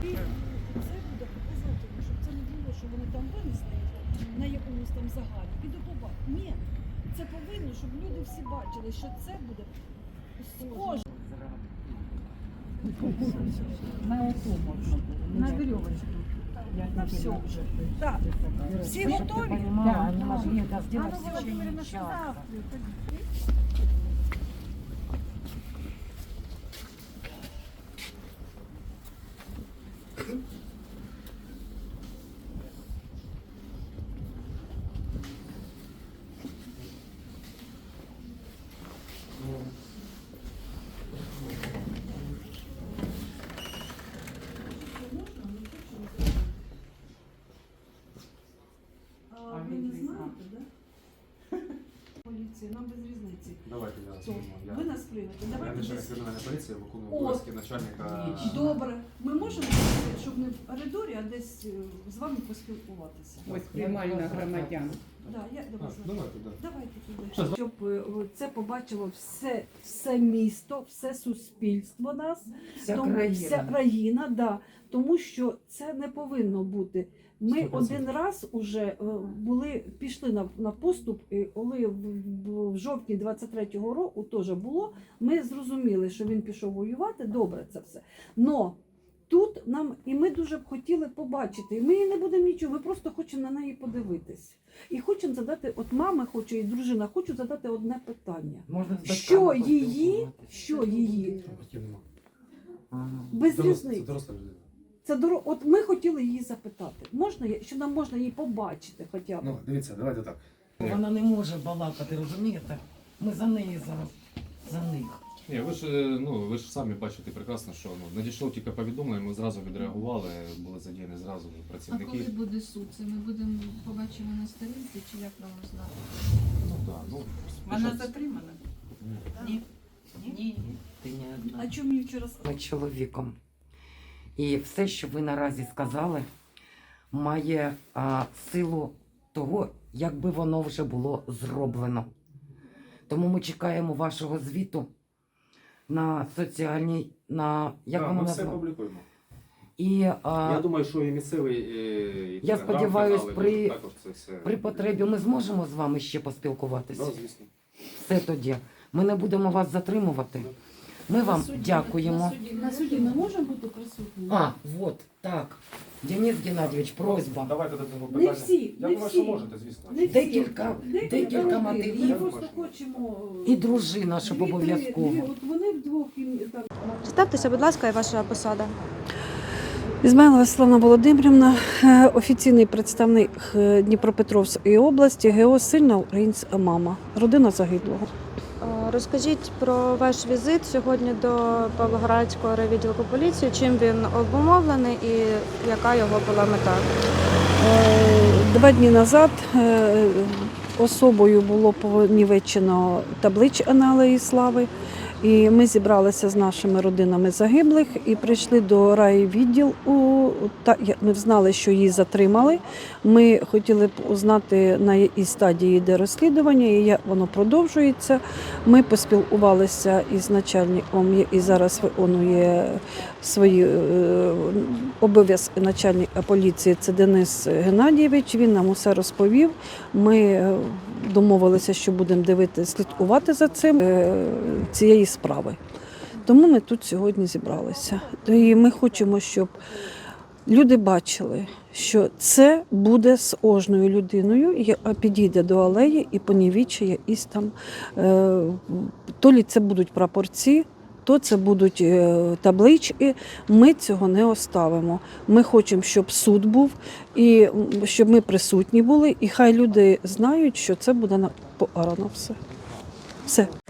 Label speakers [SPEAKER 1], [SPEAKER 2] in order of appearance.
[SPEAKER 1] Це буде показательно, щоб це не було, що вони там винесли на якомусь там загалі і до побачення. Ні, це повинно, щоб люди всі бачили, що це буде схоже.
[SPEAKER 2] На ото можна було. На веревочку.
[SPEAKER 1] На все вже. Так. Всі готові?
[SPEAKER 2] Да, они могли это сделать
[SPEAKER 1] Анна
[SPEAKER 2] в течение
[SPEAKER 1] Володимирівна, що
[SPEAKER 2] часа.
[SPEAKER 1] завтра? Ви не знаєте, так? Поліція, нам без різниці.
[SPEAKER 3] Давайте я
[SPEAKER 1] Що?
[SPEAKER 3] зніму.
[SPEAKER 1] Ви нас приймете.
[SPEAKER 3] Я
[SPEAKER 1] Давайте
[SPEAKER 3] начальник
[SPEAKER 1] десь.
[SPEAKER 3] кримінальної поліції, виконую
[SPEAKER 1] О.
[SPEAKER 3] обов'язки начальника.
[SPEAKER 1] Добре. Ми можемо, зробити, щоб не в коридорі, а десь з вами поспілкуватися.
[SPEAKER 4] Ось приймальна громадян.
[SPEAKER 1] Да, я до вас.
[SPEAKER 3] Давайте, да.
[SPEAKER 1] Давайте туди. Щоб це побачило все місто, все суспільство нас,
[SPEAKER 2] Вся
[SPEAKER 1] вся країна, да. Тому що це не повинно бути. Ми
[SPEAKER 3] 100%.
[SPEAKER 1] один раз уже пішли на поступ, і коли в жовтні 23-го року теж було, ми зрозуміли, що він пішов воювати, добре це все. Но тут нам, і ми дуже б хотіли побачити, і ми її не будемо нічого, ми просто хочемо на неї подивитись. І хочемо задати, от мама хоче, і дружина хочуть задати одне питання.
[SPEAKER 2] Можна з
[SPEAKER 1] Що
[SPEAKER 2] батьками
[SPEAKER 1] її, без
[SPEAKER 3] Це
[SPEAKER 1] різниці.
[SPEAKER 3] доросла людина.
[SPEAKER 1] Це от ми хотіли її запитати. Можна, що нам можна її побачити хоча б?
[SPEAKER 3] Ну, дивіться, давайте так.
[SPEAKER 2] Вона не може балакати, розумієте? Ми за неї зараз, за них.
[SPEAKER 3] Ні, ви ж самі бачите прекрасно, що надійшло тільки повідомлення, ми зразу відреагували, були задіяні зразу
[SPEAKER 5] А
[SPEAKER 3] працівники.
[SPEAKER 5] коли буде суд? Це ми будемо побачимо на сторінці, чи як нам знати?
[SPEAKER 3] Ну, да, ну,
[SPEAKER 4] Вона
[SPEAKER 3] спочатку-
[SPEAKER 4] затримана?
[SPEAKER 3] Ні.
[SPEAKER 4] Ні. Ні.
[SPEAKER 2] Ти не одна.
[SPEAKER 1] А чому мені вчора сказали?
[SPEAKER 2] Ми чоловіком. І все, що ви наразі сказали, має силу того, якби воно вже було зроблено. Тому ми чекаємо вашого звіту на соціальній, як
[SPEAKER 3] Так,
[SPEAKER 2] воно
[SPEAKER 3] ми все
[SPEAKER 2] названо?
[SPEAKER 3] публікуємо.
[SPEAKER 2] І
[SPEAKER 3] Я думаю, що і місцевий
[SPEAKER 2] Я сподіваюсь,
[SPEAKER 3] телеграм-канали також це все.
[SPEAKER 2] при потребі ми зможемо з вами ще поспілкуватися.
[SPEAKER 3] Да, звісно.
[SPEAKER 2] Все тоді. Ми не будемо вас затримувати. Ми вам дякуємо.
[SPEAKER 1] На суді ми можемо бути присутні?
[SPEAKER 2] Вот, так. Денис Геннадійович, просьба.
[SPEAKER 3] Давайте до цього
[SPEAKER 1] Не
[SPEAKER 3] питання.
[SPEAKER 1] всі,
[SPEAKER 3] Я
[SPEAKER 1] не
[SPEAKER 3] думаю,
[SPEAKER 1] всі.
[SPEAKER 3] що можете, звісно.
[SPEAKER 1] Не всі.
[SPEAKER 2] Декілька
[SPEAKER 1] родин. Ми
[SPEAKER 2] матерів
[SPEAKER 1] просто хочемо...
[SPEAKER 2] і дружина, щоб
[SPEAKER 1] Дві-три,
[SPEAKER 2] обов'язково.
[SPEAKER 1] От вони вдвох і там...
[SPEAKER 6] Представтеся, будь ласка, і ваша посада.
[SPEAKER 1] Ізмайлова Світлана Володимирівна, офіційний представник Дніпропетровської області, ГО «Сильна українська мама», родина загиблого.
[SPEAKER 6] Розкажіть про ваш візит сьогодні до Павлоградського райвідділку поліції, чим він обумовлений і яка його була мета?
[SPEAKER 1] 2 дні назад особою було понівечено табличку на Алеї Слави. І ми зібралися з нашими родинами загиблих і прийшли до райвідділу. Ми знали, що її затримали. Ми хотіли б узнати, на якій стадії йде розслідування і як воно продовжується. Ми поспілкувалися із начальником, який зараз виконує свої обов'язки начальника поліції, це Денис Геннадійович. Він нам усе розповів. Ми домовилися, що будемо слідкувати за цієї справи. Тому ми тут сьогодні зібралися. І ми хочемо, щоб люди бачили, що це буде з кожною людиною, яка підійде до алеї і понівічує якісь там, то лі це будуть прапорці, то це будуть таблички. Ми цього не оставимо. Ми хочемо, щоб суд був, і щоб ми присутні були, і хай люди знають, що це буде покарано все. Все.